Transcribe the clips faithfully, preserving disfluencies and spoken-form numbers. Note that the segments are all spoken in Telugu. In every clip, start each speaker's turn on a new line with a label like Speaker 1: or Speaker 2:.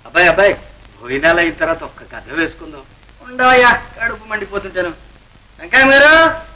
Speaker 1: అబ్బాయి అబ్బాయి భోజనాలు అయిన తర్వాత ఒక్క కథ వేసుకుందాం. ఉండవయ్యా, కడుపు మండిపోతుంటాను. వెంకయ్య మీరు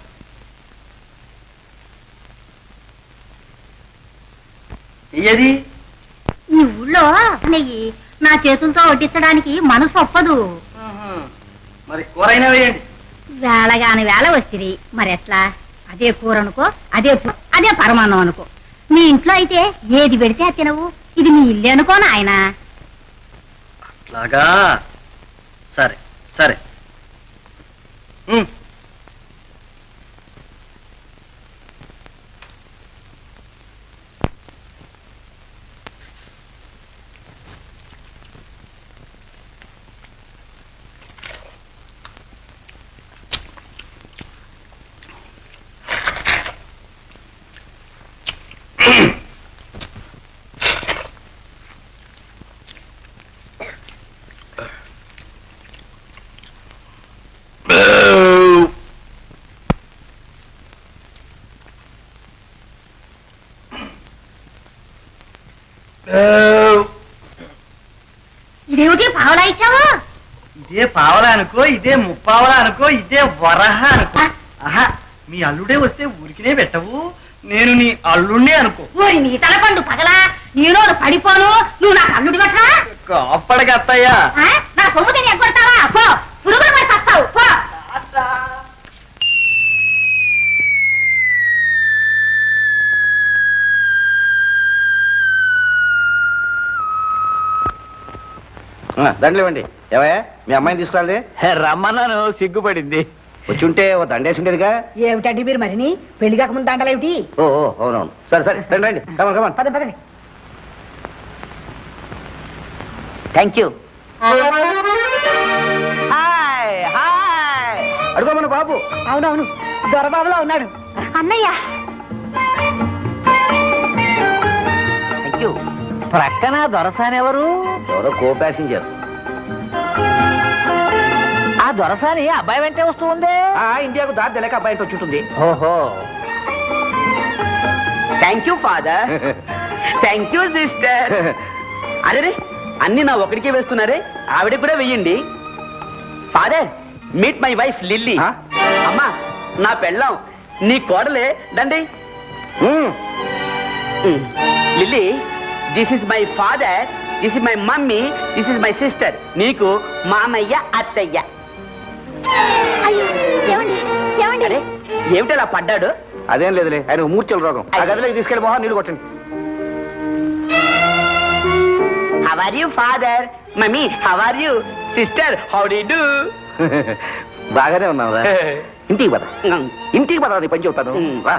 Speaker 1: ఏది
Speaker 2: ఈ ఊళ్ళో నెయ్యి నా చేతులతో వడ్డించడానికి మనసు ఒప్పదు.
Speaker 1: మరి కూరైనా వేయండి.
Speaker 2: వేళగాని వేళ వస్తుంది మరి ఎట్లా? అదే కూర అనుకో, అదే అదే పరమాన్నం అనుకో. మీ ఇంట్లో అయితే ఏది పెడితే అది తినవు. ఇది మీ ఇల్లు అనుకో నాయన.
Speaker 1: అట్లాగా, సరే సరే.
Speaker 2: ఇదేమిటి పావలా ఇచ్చావా?
Speaker 1: ఇదే పావలా అనుకో, ఇదే ముప్పావలా అనుకో, ఇదే వరహ అనుకో. ఆహా, మీ అల్లుడే వస్తే ఊరికినే పెట్టవు. నేను నీ అల్లుడినే అనుకో.
Speaker 2: ఓరి నీ తలపండు పగలా, నేను పడిపోను. నువ్వు నాకు అల్లుడి పట్టా
Speaker 1: అప్పటికి అత్తయ్యా.
Speaker 2: నా సొమ్ము తిని ఎగ్గొడతావా? పో, పురుగులు పడి చస్తావు. పో.
Speaker 3: దండలేవండి. ఏవయ్యా, మీ అమ్మాయిని తీసుకురాలి.
Speaker 4: రమ్మన్నాను, సిగ్గుపడింది.
Speaker 3: వచ్చి ఉంటే ఓ దండేసి ఉండేదిగా.
Speaker 2: ఏమిటండి మీరు మరిని పెళ్లి కాకముందు దండలేమిటి?
Speaker 3: ఓ అవునవును, సరే సరే రండి రండి. Come on come on.
Speaker 2: పద పదండి.
Speaker 4: Thank you.
Speaker 3: అడుగో మన బాబు.
Speaker 2: అవునవును, దొరబాబులో ఉన్నాడు. అన్నయ్య
Speaker 4: థ్యాంక్ యూ. ప్రక్కన దొరసాని ఎవరు?
Speaker 3: ఎవరో కో ప్యాసింజర్.
Speaker 4: ఆ దొరసాని అబ్బాయి వెంటే వస్తూ ఉంది.
Speaker 3: ఆ ఇండియాకు దారి తెలియక అబ్బాయి వచ్చి ఉంటుంది.
Speaker 4: ఓహో, thank you father. Thank you sister. అరే, అన్ని నా ఒకడికే వేస్తున్నారే, ఆవిడ కూడా వెయ్యండి. Father, meet my wife Lily. అమ్మా, నా పెళ్ళాం, నీ కోడలే దండి. Lily, this is my father, this is my mummy, this is my sister. నీకు మామయ్య, అత్తయ్య.
Speaker 2: ఏమండి?
Speaker 4: ఏమిటి అలా పడ్డాడు?
Speaker 3: అదేం లేదులే, ఆయన మూర్ఛల రోగం. ఆ గదిలోకి తీసుకెళ్ళి మొహం నీళ్ళు కొట్టండి.
Speaker 4: How are you, father? Mummy, how are you? Sister, how do you do?
Speaker 3: బాగానే ఉన్నావురా. ఇంటికి పద, ఇంటికి పద, నీ పని చెబుతాను. రా.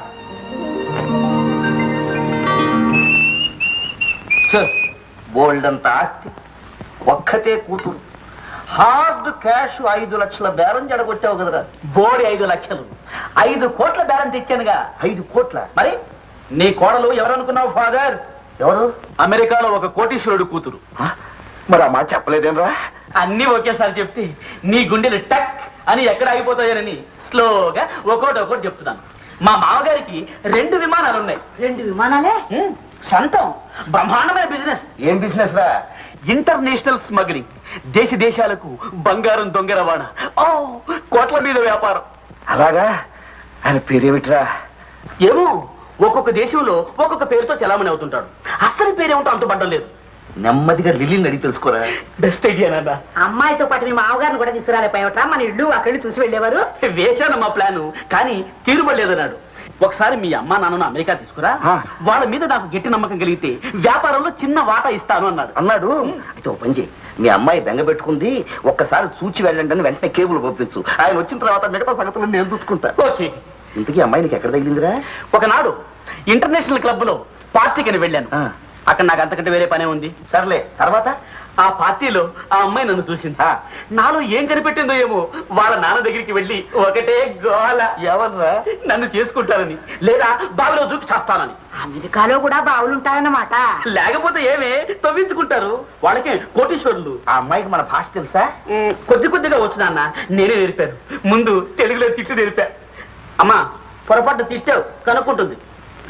Speaker 3: బోల్డ్ అంత ఆస్తి, ఒక్కతే కూతురు, హార్డ్ క్యాష్ ఐదు లక్షల బేరం జడగొట్టావు కదరా.
Speaker 4: బోడి ఐదు లక్షలు ఐదు కోట్ల బేరం తెచ్చానుగా.
Speaker 3: ఐదు కోట్ల?
Speaker 4: మరి నీ కోడలు ఎవరనుకున్నావు ఫాదర్?
Speaker 3: ఎవరు?
Speaker 4: అమెరికాలో ఒక కోటీశ్వరుడు కూతురు.
Speaker 3: మరి ఆ మాట చెప్పలేదేనరా?
Speaker 4: అన్ని ఒకేసారి చెప్తే నీ గుండెలు టక్ అని ఎక్కడ ఆగిపోతాయోనని స్లోగా ఒక్కోటి ఒక్కోటి చెప్తున్నాను. మా మామగారికి రెండు విమానాలు ఉన్నాయి.
Speaker 2: రెండు విమానాలే?
Speaker 4: సొంతం బ్రహ్మాండమైన బిజినెస్.
Speaker 3: ఏం బిజినెస్ రా?
Speaker 4: ఇంటర్నేషనల్ స్మగ్లింగ్, దేశ దేశాలకు బంగారం దొంగ రవాణా, ఓ కోట్ల మీద వ్యాపారం.
Speaker 3: అలాగా? ఆయన పేరేమిట్రా?
Speaker 4: ఏమో, ఒక్కొక్క దేశంలో ఒక్కొక్క పేరుతో చలామణి అవుతుంటాడు. అసలు పేరేమిటో అంతుపడ్డం లేదు.
Speaker 3: నెమ్మదిగా లిల్లీని అడిగి తెలుసుకోరా.
Speaker 4: బెస్ట్ ఐడియా నాన్న.
Speaker 2: అమ్మాయితో పాటు మీ మామగారిని కూడా తీసుకురాలేపోయావట్రా? మన ఇల్లు అక్కడి చూసి వెళ్ళేవారు.
Speaker 4: వేశాను మా ప్లాను, కానీ తీరుబడలేదన్నాడు. ఒకసారి మీ అమ్మా నాన్నను అమెరికా తీసుకురా, వాళ్ళ మీద నాకు గట్టి నమ్మకం కలిగితే వ్యాపారంలో చిన్న వాటా ఇస్తాను అన్నాడు.
Speaker 3: అన్నాడు అయితే ఓ పని చేయి, మీ అమ్మాయి బెంగ పెట్టుకుంది, ఒక్కసారి చూచి వెళ్ళండి అని వెంటనే కేబుల్ పంపించు. ఆయన వచ్చిన తర్వాత మిగతా సంగతులను నేను చూసుకుంటా.
Speaker 4: ఓకే.
Speaker 3: ఇంతకీ అమ్మాయి నీకు ఎక్కడ తగిలిందిరా?
Speaker 4: ఒకనాడు ఇంటర్నేషనల్ క్లబ్ లో పార్టీకి వెళ్ళాను. అక్కడ నాకు అంతకంటే వేరే పనే ఉంది.
Speaker 3: సర్లే, తర్వాత
Speaker 4: ఆ పార్టీలో ఆ అమ్మాయి నన్ను చూసింది. నాలో ఏం కనిపెట్టిందో ఏమో, వాళ్ళ నాన్న దగ్గరికి వెళ్ళి ఒకటే గోల.
Speaker 3: ఎవర్రా?
Speaker 4: నన్ను చేసుకుంటారని, లేదా బావిలో దూకి చేస్తానని.
Speaker 2: అమెరికాలో కూడా బావులుంటాయన్నమాట.
Speaker 4: లేకపోతే ఏమే తవ్వించుకుంటారు. వాళ్ళకే కోటీశ్వరులు.
Speaker 3: ఆ అమ్మాయికి మన భాష తెలుసా?
Speaker 4: కొద్ది కొద్దిగా వచ్చు నాన్న, నేనే నేర్పాను. ముందు తెలుగులో తిట్టు నేర్పా. అమ్మా, పొరపాటు తిట్టావు కనుక్కుంటుంది.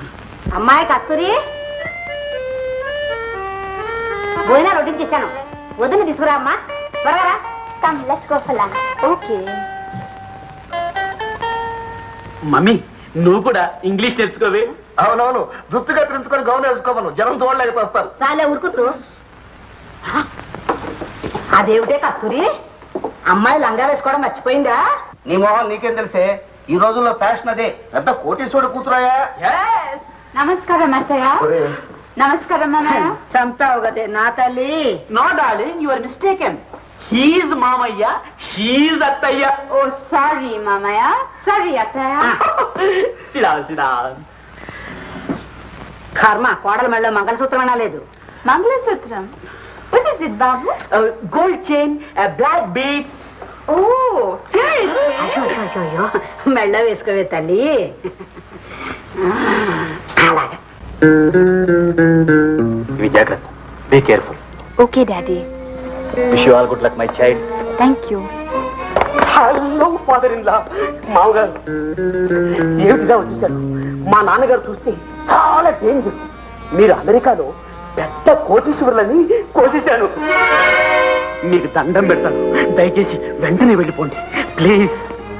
Speaker 2: అమ్మాయి కస్తూరి, భోజనాలు వడ్డించేశాను. వదిన తీసుకురా అమ్మా త్వరగా
Speaker 5: Come, let's go for lunch.
Speaker 2: Okay
Speaker 4: mummy నువ్వు కూడా ఇంగ్లీష్ నేర్చుకోవే.
Speaker 3: అవునవును, జుత్తు కత్తిరించుకొని గౌన్ వేసుకోమను, జనం చూడలేకపోతారు.
Speaker 2: చాలే ఊరుకుతురు అదేమిటే కస్తూరి అమ్మాయి లంగా వేసుకోవడం మర్చిపోయిందా?
Speaker 3: నీ మొహం నీకేం తెలిసే, ఈ రోజుల్లో ఫ్యాషన్ అదే. పెద్ద కోటీశ్వరుడు కూతురాయా?
Speaker 5: Namaskaram, Ataya. Namaskaram, Mamaya.
Speaker 2: చంపావు కదే నా తల్లి.
Speaker 4: No darling, you are mistaken. He's మామయ్య, షీజ్ అత్తయ్య.
Speaker 5: Oh, sorry, Mamaya. Sorry, Ataya.
Speaker 4: సిడా సిడా.
Speaker 2: కర్మ కోడల మెళ్ళలో మంగళసూత్రం అనలేదు.
Speaker 5: Mangalasutram. What is it, Babu?
Speaker 4: Gold chain, black beads.
Speaker 5: Oh, here it
Speaker 2: అయ్యో,
Speaker 5: is.
Speaker 2: అయ్యో, అయ్యో, మెళ్ళ వేసుకోవే తల్లి. అలాగా
Speaker 4: ఇవి జాగ్రత్త, be careful.
Speaker 5: Okay, Daddy.
Speaker 4: Wish you all good luck my child.
Speaker 5: Thank you.
Speaker 4: Hello father in law. మామగారు ఏమిటిగా వచ్చేసారు? మా నాన్నగారు చూస్తే చాలా డేంజర్. మీరు అమెరికాలో పెద్ద కోటీశ్వరులని కోసేశాను. మీకు దండం పెడతాను, దయచేసి వెంటనే వెళ్ళిపోండి ప్లీజ్.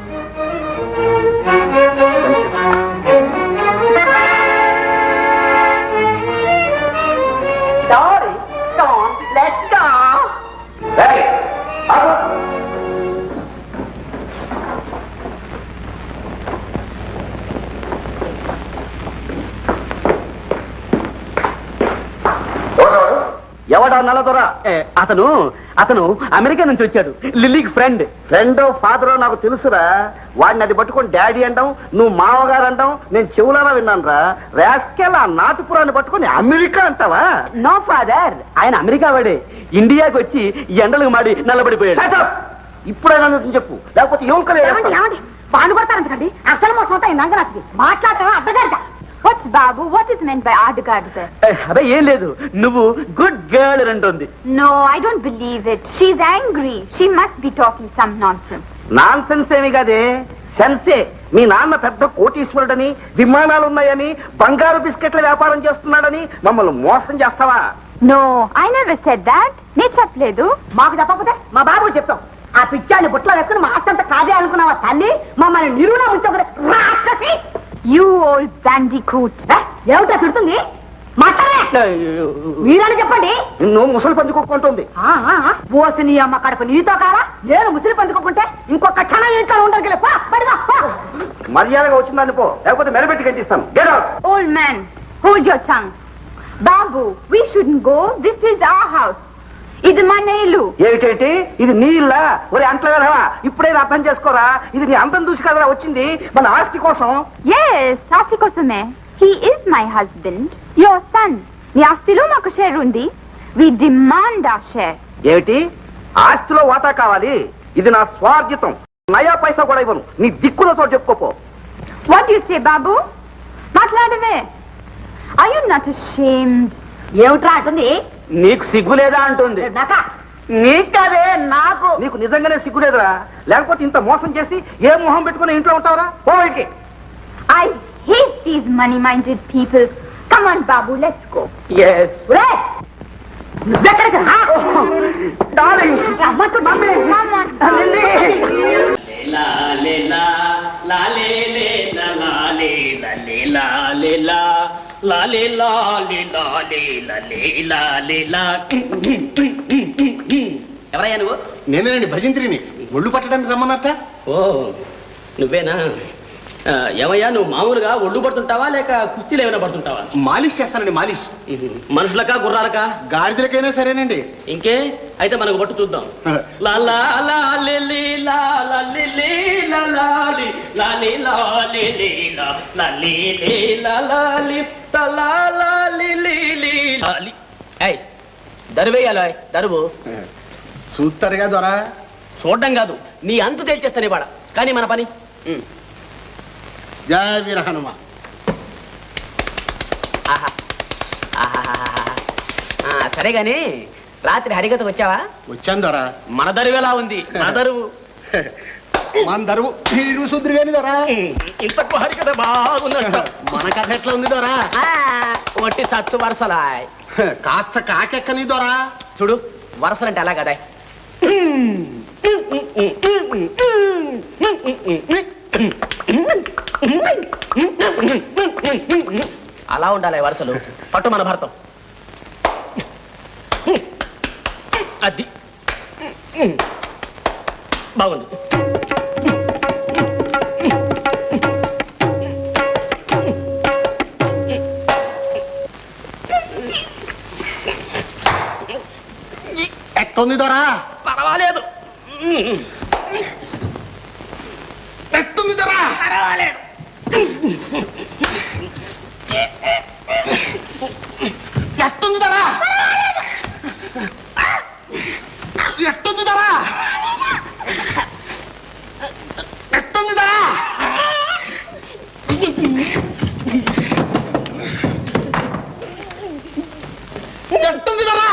Speaker 3: ఎవడా నల్లదొరా?
Speaker 4: అతను అతను అమెరికా నుంచి వచ్చాడు, లిల్లీకి ఫ్రెండ్.
Speaker 3: ఫ్రెండో ఫాదరో నాకు తెలుసురా. వాడిని అది పట్టుకొని డాడీ అంటాం, నువ్వు మామగారు అంటాం, నేను చెవులారా విన్నాను రా. రాస్కెల్ ఆ నాటుపురాన్ని పట్టుకొని అమెరికా అంటావా?
Speaker 4: నో ఫాదర్, ఆయన అమెరికా వాడే. ఇండియాకి వచ్చి ఎండలకు మాడి నల్లబడిపోయాడు.
Speaker 3: ఇప్పుడైనా నిజం చెప్పు, లేకపోతే
Speaker 2: ఏమండి
Speaker 3: యువకలే.
Speaker 2: ఏమండి బాను కొడతారంటండి. అసలు మోసం అవుతాయి నంగరాసి మాట్లాడటం అడ్డగారిట.
Speaker 5: What's Babu? What is meant by Adagada?
Speaker 4: అదే ఏం లేదు, నువ్వు గుడ్ గర్ల్ అంటుంది.
Speaker 5: No, I don't believe it. She's angry. She must be talking some nonsense.
Speaker 3: Nonsense ఏమి కాదే, సెన్సే. మీ నాన్న పెద్ద కోటీశ్వరుడని, విమానాలు ఉన్నాయని, బంగారు బిస్కెట్ల వ్యాపారం చేస్తున్నాడని మమ్మల్ని మోసం చేస్తావా?
Speaker 5: No, I never said that. నేను చెప్పలేదు.
Speaker 2: మాకు చెప్పకపోతే మా బాబు చెప్తాం. ఆ పిచ్చాన్ని బుట్టలో వేసుకుని మా అత్తంత కాదే అనుకున్నావా తల్లి? మమ్మల్ని నిరుణ ఉంచొకరు రాక్షసి.
Speaker 5: You old bandicoot.
Speaker 2: ఏమిటా తిడుతుంది? మాట్లాడే మీరని చెప్పండి.
Speaker 3: నిన్ను ముసలి పందుకోకుంటుంది.
Speaker 2: పోసి నీ అమ్మ కడుపు నీతో కాలా? నేను ముసిలి పందుకోకుంటే ఇంకొక క్షణం ఇంట్లో ఉండగల.
Speaker 3: మర్యాదగా వచ్చిందని పో, లేకపోతే మెడబెట్టి గంటిస్తాను. Get out.
Speaker 5: Old man, hold your tongue. Babu, we shouldn't go. This is our house. ఇది మన ఇల్లు.
Speaker 3: ఏమిటేంటి ఇది నీ ఇల్లా? ఒరే అంట్ల వెళ్ళవా, ఇప్పుడైనా అర్థం చేసుకోరా. ఇది నీ అందం చూసి కదరా వచ్చింది, మన ఆస్తి కోసం.
Speaker 5: Yes, ఆస్తి కోసమే. He is my husband, your son. నీ ఆస్తిలో మాకు షేర్ ఉంది. We demand our share.
Speaker 3: ఏమిటి ఆస్తిలో వాటా కావాలి? ఇది నా స్వార్జితం, నయా పైసా కూడా ఇవ్వను. నీ దిక్కులతో చెప్పుకోపో.
Speaker 5: What do you say, Babu? మాట్లాడవే. Are you not ashamed?
Speaker 2: ఏమిట్రా అంటుంది?
Speaker 4: నీకు సిగ్గు లేదా అంటుంది.
Speaker 2: నాకా
Speaker 4: నీకు కాదే, నాకు.
Speaker 3: నీకు నిజంగానే సిగ్గులేదురా, లేకపోతే ఇంత మోసం చేసి ఏ మొహం పెట్టుకుని ఇంట్లో ఉంటావురా? పోయికి.
Speaker 5: I hate these money-minded people. Come on, Babu, let's go.
Speaker 4: Yes.
Speaker 2: నువ్వెక్కడికి రా?
Speaker 4: Darling.
Speaker 2: రమ్మంటూ మమ్మల్ని
Speaker 5: Come on.
Speaker 6: La le la la le le la la le la le la le la la le la le la le la le la le la. ఎవరయ్యా నువ్వు?
Speaker 7: నేనేనండి భజంత్రిని. ఒళ్ళు పట్టడానికి రమ్మన్నట్ట.
Speaker 6: ఓ నువ్వేనా? ఆ, ఏమయ్యా నువ్వు మామూలుగా ఒళ్ళు పడుతుంటావా లేక కుస్తీలు ఏమైనా పడుతుంటావా?
Speaker 7: మాలిష్ చేస్తానండి, మాలిష్.
Speaker 6: మనుషులకా గుర్రాలకా?
Speaker 7: గాడిదలకైనా సరేనండి.
Speaker 6: ఇంకే అయితే మనకు పట్టు చూద్దాం. లా లా లా లే లే లా లా లే లే లా లా లే లా లే లా లే లే లా లా లే లే లా లా లే తా లా లా లే లే లే లా లే. ఏయ్ దరువేయాలో దరువు.
Speaker 7: చూస్తారుగా దొరా.
Speaker 6: చూడడం కాదు, నీ అంతు తేల్చేస్తాను ఇవాడ. కానీ మన పని
Speaker 7: జయ వీర హనుమ.
Speaker 6: ఆహా ఆహాహాహా. ఆ, సరే గాని రాత్రి హరికథకు వచ్చావా?
Speaker 7: వచ్చాను దొరా.
Speaker 6: మన దరువు ఎలా ఉంది? మన దరువు
Speaker 7: మన దరువు తీరు సుద్రు గాని దొరా.
Speaker 6: ఇంతకు హరికథ బాగున్నట్టు.
Speaker 7: మన కథ ఎట్లా ఉంది దొరా?
Speaker 6: ఆ, ఒట్టి చచ్చు వరుసలాయ్.
Speaker 7: కాస్త కాకెక్కని దొరా.
Speaker 6: చూడు
Speaker 4: వరసలంటే అలా కదా. అలా ఉండాలి వరుసలు. పట్టు మన భర్తం. అది బాగుంది.
Speaker 7: ఎట్టుంది దొరా?
Speaker 6: పర్వాలేదు.
Speaker 7: ఎట్టుంది దొరా?
Speaker 6: పర్వాలేదు.
Speaker 7: ఎట్టుంది దొరా? ఎట్టుంది దొరా? ఎట్టుంది దొరా? ఎట్టుంది దొరా?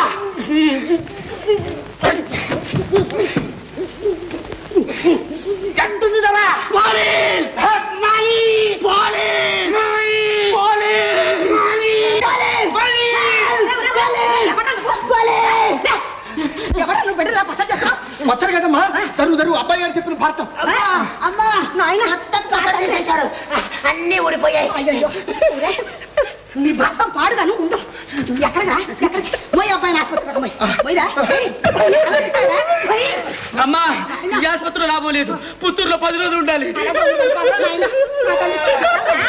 Speaker 7: ఎట్టుంది దొరా?
Speaker 6: పోలీస్! పోలీస్! పోలీస్!
Speaker 7: మచ్చరు కదమ్మా, దరువు దరువు అబ్బాయి గారు చెప్పిన భారతం.
Speaker 2: అమ్మా నాయన చేశాడు, అన్ని ఊడిపోయాయి. అయ్యో నీ భర్తం పాడుగాను ఉండు. ఎక్కడగా పోయి అబ్బాయిని ఆసుపత్రి.
Speaker 6: అమ్మా ఈ ఆసుపత్రిలో లాభం లేదు. పుత్తూరులో పది రోజులు ఉండాలి.